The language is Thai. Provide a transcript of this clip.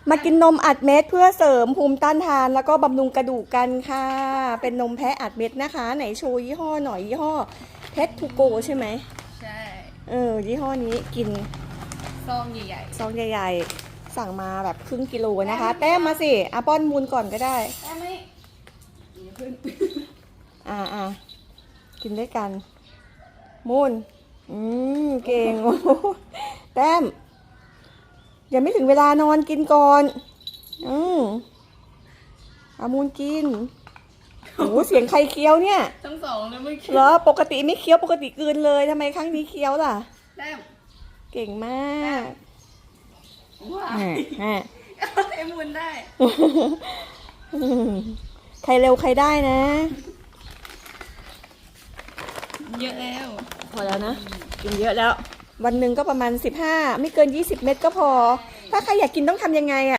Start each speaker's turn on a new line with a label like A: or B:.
A: มากินนมอัดเม็ดเพื่อเสริมภูมิต้านทานแล้วก็บำรุงกระดูกกันค่ะ เป็นนมแพะอัดเม็ดนะคะ ไหนโชว์ยี่ห้อหน่อยยี่ห้อเพชรทูโกใช่ไหม
B: ใช่
A: ยี่ห้อนี้กิน
B: ซองใหญ่
A: ซองใหญ่ๆสั่งมาแบบครึ่งกิโลนะคะแต้มมาสิอาป้อนมูลก่อนก็ได้
B: ๆแต่ไม่อย่าเพิ่ง
A: กินด้วยกันมูลเก่งโอ้โหแต้มยังไม่ถึงเวลานอนกินก่อนอามูลกินโอ้เสียงใครเคี้ยวเนี่ย
B: ทั้งสองเลยไม่คิด
A: เหรอปกติไม่เคี้ยวปกติกลืนเลยทำไมครั้งนี้เคี้ยวล่ะ
B: แต้ม
A: เก่งมาก
B: ว้า ไอ้มุนได้
A: ใครเร็วใครได้นะ
B: เยอะแล้ว
A: พอแล้วนะกินเยอะแล้ว วันหนึ่งก็ประมาณ15ไม่เกิน20 เม็ดก็พอ ถ้าใครอยากกินต้องทำยังไงอะ